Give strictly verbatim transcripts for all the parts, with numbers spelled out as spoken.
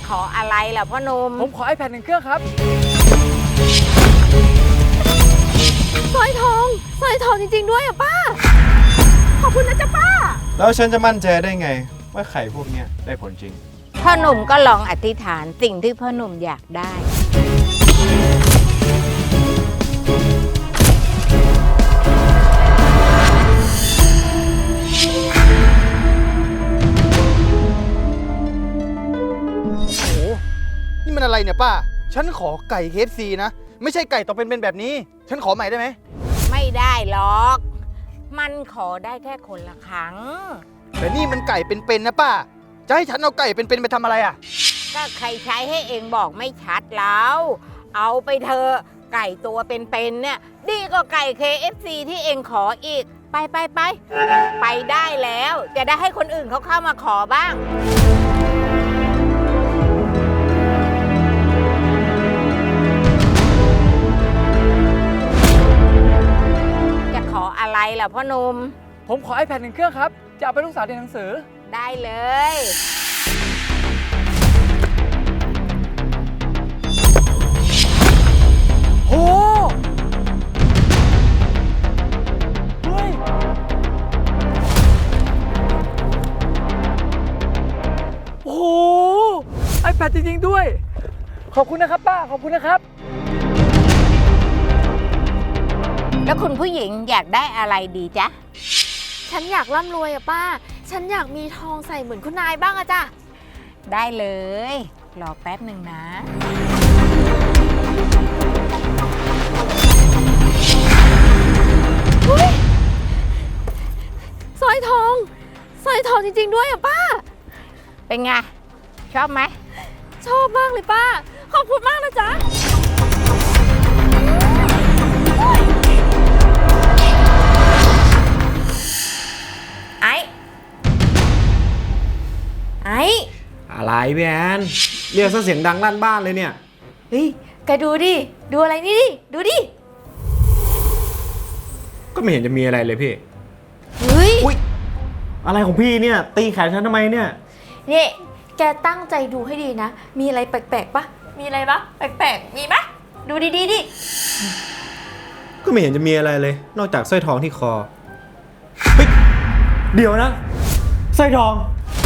ขออะไรล่ะพ่อหนุ่มผมขอ ไอแพด หนึ่งเครื่องครับสร้อยทองสร้อยทองจริงๆด้วยอ่ะป้าขอบคุณนะจ๊ะป้าแล้วฉันจะมั่นใจได้ไงว่าไข่พวกนี้ได้ผลจริงพ่อหนุ่มก็ลองอธิษฐานสิ่งที่พ่อหนุ่มอยากได้โอ้โหนี่มันอะไรเนี่ยป้าฉันขอไก่ เค เอฟ ซี นะไม่ใช่ไก่ต้องเป็นๆแบบนี้ฉันขอใหม่ได้ไหมไม่ได้หรอก มันขอได้แค่คนละครั้งแต่นี่มันไก่เป็นๆนะป้าจะให้ฉันเอาไก่เป็นๆไปทำอะไรอ่ะก็ใครใช้ให้เองบอกไม่ชัดแล้วเอาไปเถอะไก่ตัวเป็นๆเนี่ยดีกว่าไก่ เค เอฟ ซี ที่เองขออีกไปไปไปไปได้แล้วจะได้ให้คนอื่นเขาเข้ามาขอบ้างจะขออะไรล่ะพ่อหนุ่มผมขอ ไอแพด หนึ่งเครื่องครับจะเอาไปลูกสาวเรียนหนังสือได้เลยโอ้เฮ้ยโอ้โห ไอแพด จริงๆด้วยขอบคุณนะครับป้าขอบคุณนะครับแล้วคุณผู้หญิงอยากได้อะไรดีจ๊ะฉันอยากร่ำรวยอะป้าฉันอยากมีทองใส่เหมือนคุณนายบ้างอะจ้ะได้เลยรอแป๊บหนึ่งนะสร้อยทองสร้อยทองจริงๆด้วยอะป้าเป็นไงชอบไหมชอบมากเลยป้าขอบคุณมากนะจ๊ะไอ้ไอ้อะไรพี่แอนเรียกซะเสียงดังลั่นบ้านเลยเนี่ยเฮ้ยแกดูดิดูอะไรนี่ดิดูดิก็ไม่เห็นจะมีอะไรเลยพี่เฮ้ยอุ๊ยอะไรของพี่เนี่ยตีแขนฉันทำไมเนี่ยนี่แกตั้งใจดูให้ดีนะมีอะไรแปลกๆปะมีอะไรปะแปลกๆมีปะดูดีๆดิก็ไม่เห็นจะมีอะไรเลยนอกจากสร้อยทองที่คอเฮ้ยเดี๋ยวนะสร้อยทอง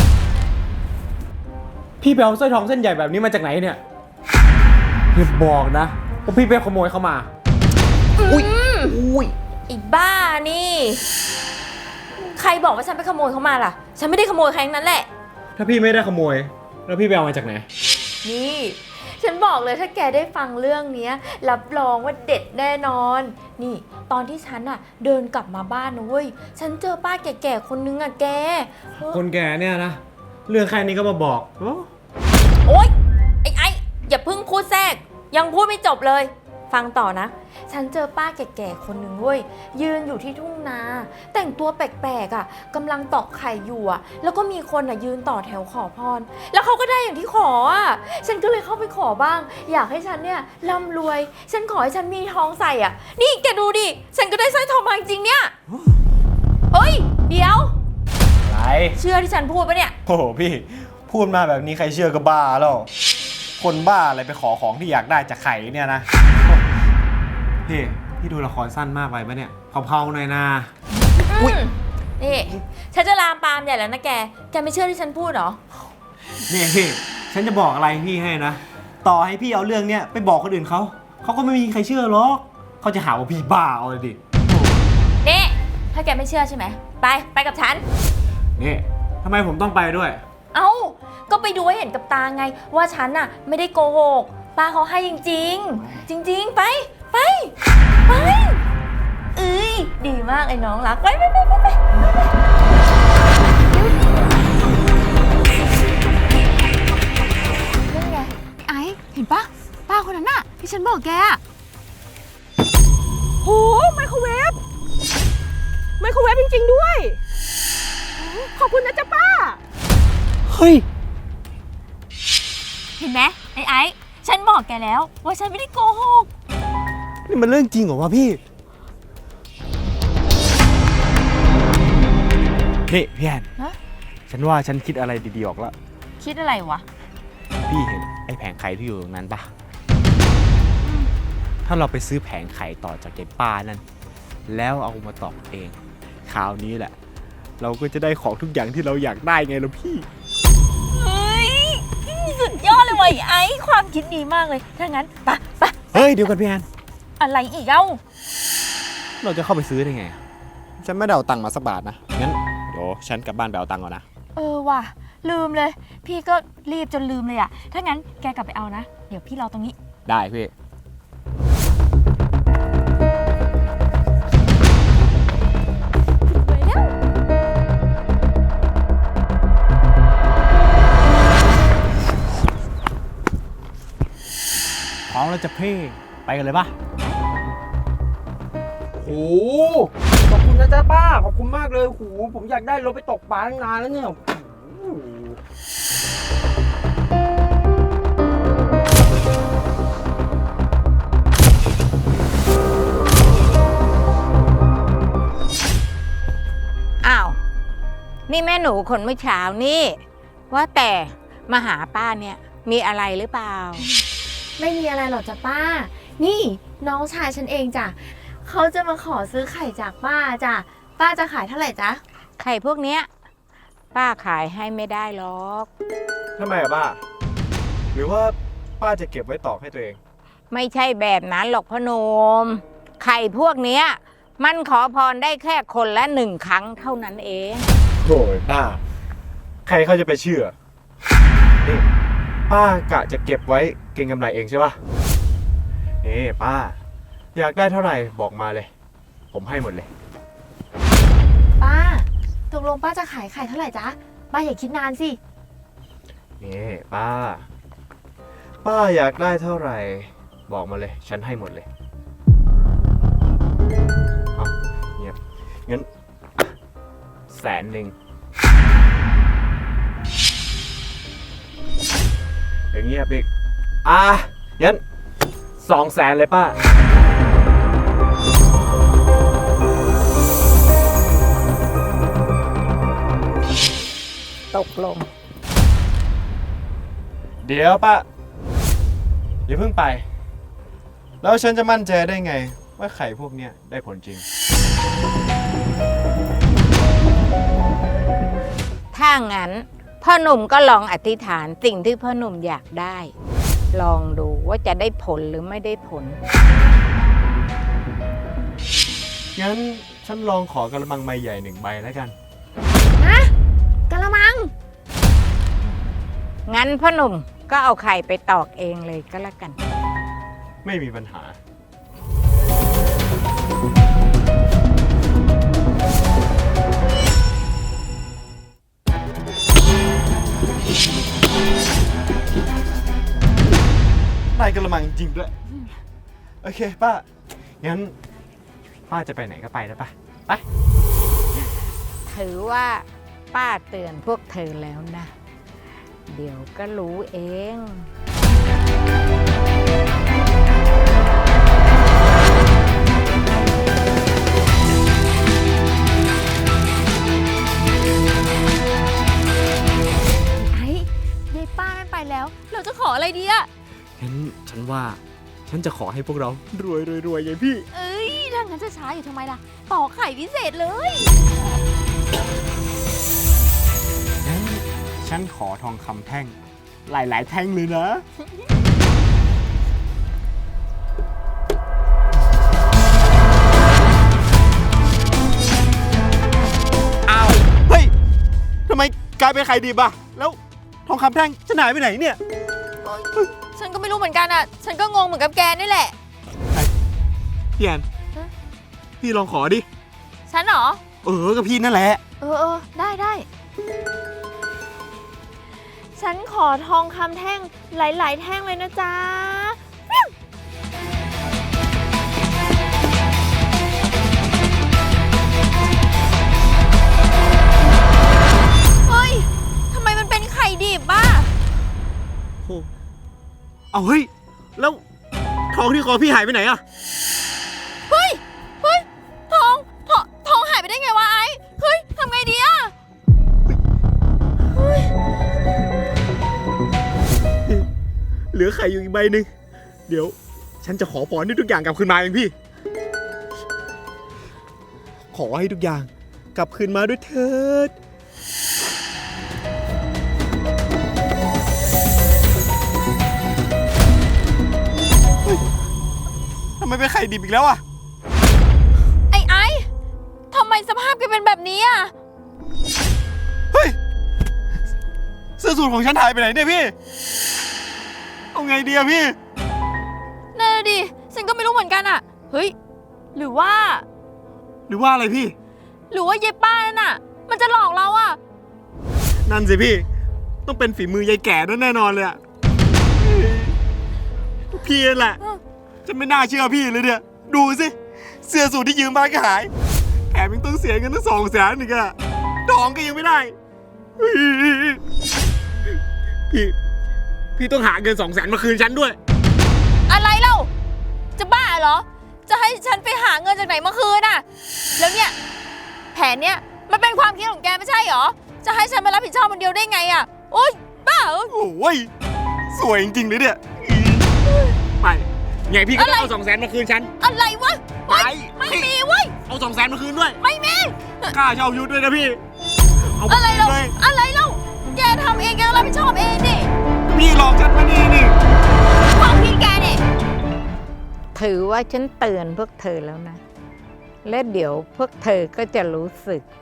พี่ไปเอาสร้อยทองเส้นใหญ่แบบนี้มาจากไหนเนี่ยอย่าบอกนะว่าพี่ไปขโมยเข้ามาอุ้ยอุ้ยไอ้บ้านี่ใครบอกว่าฉันไปขโมยเขามาล่ะฉันไม่ได้ขโมยใครทั้งนั้นแหละถ้าพี่ไม่ได้ขโมยแล้วพี่ไปเอามาจากไหนนี่ฉันบอกเลยถ้าแกได้ฟังเรื่องนี้รับรองว่าเด็ดแน่นอนนี่ตอนที่ฉันอะเดินกลับมาบ้านนะเว้ยฉันเจอป้าแก่ๆคนนึงอะแกคนแก่เนี่ยนะเรื่องแค่นี้ก็มาบอกโอ๊ยไอ้ไอ้อย่าเพิ่งพูดแทรกยังพูดไม่จบเลยฟังต่อนะฉันเจอป้าแก่ๆคนหนึ่งเว้ยยืนอยู่ที่ทุ่งนาแต่งตัวแปลกๆอ่ะกำลังตอกไข่อยู่อ่ะแล้วก็มีคนอ่ะยืนต่อแถวขอพรแล้วเขาก็ได้อย่างที่ขออ่ะฉันก็เลยเข้าไปขอบ้างอยากให้ฉันเนี่ยร่ำรวยฉันขอให้ฉันมีทองใส่อ่ะนี่แกดูดิฉันก็ได้สร้อยทองมาจริงๆเนี่ยเฮ้ยเดี๋ยวอะไรเชื่อที่ฉันพูดปะเนี่ยโอ้โหพี่พูดมาแบบนี้ใครเชื่อก็บ้าแล้วคนบ้าอะไรไปขอของที่อยากได้จากไข่เนี่ยนะพี่พี่ดูละครสั้นมากไปปะเนี่ยเผาๆหน่อยนะอุ้ยนี่ฉันจะลามปามใหญ่แล้วนะแกแกไม่เชื่อที่ฉันพูดหรอนี่พี่ฉันจะบอกอะไรพี่ให้นะต่อให้พี่เอาเรื่องเนี้ยไปบอกคนอื่นเขาเขาก็ไม่มีใครเชื่อหรอกเขาจะหาว่าพี่บ้าเอาเลยดินี่ถ้าแกไม่เชื่อใช่ไหมไปไปกับฉันนี่ทำไมผมต้องไปด้วยเอ้าก็ไปดูให้เห็นกับตาไงว่าฉันน่ะไม่ได้โกหกป้าเขาให้จริงๆจริงๆไปไปไปเอ้ยดีมากไอ้น้องรักไปไปไปไปไปนั่นไงไอ้เห็นปะป้าคนนั้นน่ะที่ฉันบอกแกอะโหไมโครเวฟไมโครเวฟจริงๆด้วยขอบคุณนะจ๊ะป้าเฮ้ยเห็นไหมไอ้ไอ้ฉันบอกแกแล้วว่าฉันไม่ได้โกหกนี่มันเรื่องจริงเหรอวะพี่นี่พี่แอนฉันว่าฉันคิดอะไรดีๆออกแล้วคิดอะไรวะพี่เห็นไอ้แผงไข่ที่อยู่ตรงนั้นปะถ้าเราไปซื้อแผงไข่ต่อจากยายป้านั่น แล้วเอามาตอกเอง คราวนี้แหละ เราก็จะได้ของทุกอย่างที่เราอยากได้ไงล่ะพี่เฮ้ย สุดยอดเลยว่ะไอ้ไอ้ความคิดดีมากเลย ถ้างั้นไปไปเฮ้ย เดี๋ยวกันพี่แอนอะไรอีกเอ้าเราจะเข้าไปซื้อได้ไง ฉันไม่ได้เอาตังค์มาสักบาทนะ งั้นเดี๋ยวฉันกลับบ้านไปเอาตังค์ก่อนนะเออว่ะ ลืมเลย พี่ก็รีบจนลืมเลยอะถ้างั้นแกกลับไปเอานะ เดี๋ยวพี่รอตรงนี้ได้พี่ไปแล้วพร้อมแล้วจะเพ่ไปกันเลยปะโอ้โหขอบคุณนะจ๊ะป้า ขอบคุณมากเลยโอ้โหผมอยากได้รถไปตกปลาตั้งนานแล้วเนี่ยโอ้โหอ้าว นี่แม่หนูคนเมื่อเช้านี่ ว่าแต่มาหาป้าเนี่ยมีอะไรหรือเปล่าไม่มีอะไรหรอกจ้ะป้า นี่น้องชายฉันเองจ้ะเขาจะมาขอซื้อไข่จากป้าจ้ะ ป้าจะขายเท่าไหร่จ๊ะไข่พวกเนี้ยป้าขายให้ไม่ได้หรอกทำไมอะป้า หรือว่าป้าจะเก็บไว้ตอกให้ตัวเองไม่ใช่แบบนั้นหรอกพ่อหนม ไข่พวกเนี้ยมันขอพรได้แค่คนละหนึ่งครั้งเท่านั้นเองโถ่ป้า ใครเขาจะไปเชื่อ นี่ป้ากะจะเก็บไว้เก็งกำไรเองใช่ปะนี่ป้า อยากได้เท่าไหร่บอกมาเลย ผมให้หมดเลยป้า ตกลงป้าจะขายไข่เท่าไหร่จ๊ะ ป้าอย่าคิดนานสินี่ป้า ป้าอยากได้เท่าไหร่ บอกมาเลย ฉันให้หมดเลยเอาเงียบงั้นแสนหนึ่งอย่างเงียบอีกอ่ะงั้นสองแสนเลยป้าตกลงเดี๋ยวป้าอย่าเพิ่งไป แล้วฉันจะมั่นใจได้ไง ว่าไข่พวกเนี้ยได้ผลจริงถ้างั้นพ่อหนุ่มก็ลองอธิษฐานสิ่งที่พ่อหนุ่มอยากได้ ลองดูว่าจะได้ผลหรือไม่ได้ผลงั้นฉันลองขอกระมังใบใหญ่หนึ่งใบแล้วกันกะละมังงั้นพ่อหนุ่มก็เอาไข่ไปตอกเองเลยก็แล้วกันไม่มีปัญหา ได้กระมังจริงด้วย โอเคป้า งั้น ป้าจะไปไหนก็ไปนะป้าไปถือว่าป้าเตือนพวกเธอแล้วนะ เดี๋ยวก็รู้เองไอ้ยายป้าไม่ไปแล้ว เราจะขออะไรดีอะงั้นฉันว่าฉันจะขอให้พวกเรารวยรวยรวยไงพี่เอ้ยถ้างั้นจะช้าอยู่ทำไมล่ะ ต่อไข่พิเศษเลยงั้นฉันขอทองคำแท่ง หลายๆแท่งเลยนะ อ้าว เฮ้ย ทำไมกลายเป็นไข่ดิบอะแล้วทองคำแท่งจะหายไปไหนเนี่ยฉันก็ไม่รู้เหมือนกันอะฉันก็งงเหมือนกับแกนี่แหละพี่แอนฮะพี่ลองขอดิฉันเหรอเออกับพี่นั่นแหละเออเออได้ได้ ฉันขอทองคำแท่งหลาย ๆ แท่งเลยนะจ๊ะ เฮ้ย ทำไมมันเป็นไข่ดิบบ้าโอ้เอาเฮ้ย แล้วทองที่คอพี่หายไปไหนอะเฮ้ย เฮ้ย ทอง ทองทองหายไปได้ไงวะไอ้ เฮ้ย ทำไงดีอะเฮ้ยเหลือไข่อยู่อีกใบหนึ่งเดี๋ยว ฉันจะขอพรให้ทุกอย่างกลับคืนมาเองพี่ ขอให้ทุกอย่างกลับคืนมาด้วยเถิด เฮ้ยทำไมเป็นไข่ดิบอีกแล้วอะไอ้ไอ้ทำไมสภาพแกเป็นแบบนี้อ่ะเฮ้ย เสื้อสูทของฉันหายไปไหนเนี่ยพี่ เอาไงดีอะพี่นั่นน่ะดิ ฉันก็ไม่รู้เหมือนกันอ่ะ เฮ้ย หรือว่าหรือว่าอะไรพี่หรือว่าเย็บป้านั่นน่ะ มันจะหลอกเราอ่ะนั่นสิพี่ ต้องเป็นฝีมือยายแก่นั่นแน่นอนเลยอะพี่นั่นแหละ ฉันไม่น่าเชื่อพี่เลยเนี่ย ดูสิ เสื้อสูทที่ยืมมาก็หาย แถมยังต้องเสียเงินตั้งสองแสนอีกอะทองก็ยังไม่ได้ พี่ พี่ต้องหาเงินสองแสนมาคืนฉันด้วยอะไรเล่า จะบ้าเหรอ จะให้ฉันไปหาเงินจากไหนมาคืนอ่ะ แล้วเนี่ย แผนเนี่ยมันเป็นความคิดของแกไม่ใช่เหรอ จะให้ฉันมารับผิดชอบคนเดียวได้ไงอ่ะ โอ๊ย บ้าเหรอโอ้ย สวยจริงๆเลยเนี่ย ไป ไงพี่ก็ต้องเอาสองแสนมาคืนฉันอะไรวะไปไม่มีเว้ยเอาสองแสนมาคืนด้วยไม่มีค่าเช่ายุทธด้วยนะพี่ เอามาอะไรคืนเล่าเลยอะไรเล่า แกทำเองแกต้องรับผิดชอบเองดิพี่หลอกฉันมานี่นี่ความคิดแกเนี่ยถือว่าฉันเตือนพวกเธอแล้วนะ และเดี๋ยวพวกเธอก็จะรู้สึก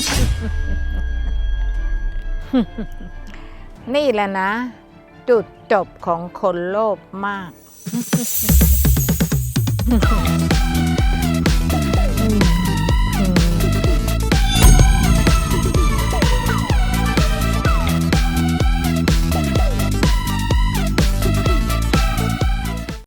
นี่แหละนะ จุดจบของคนโลภมาก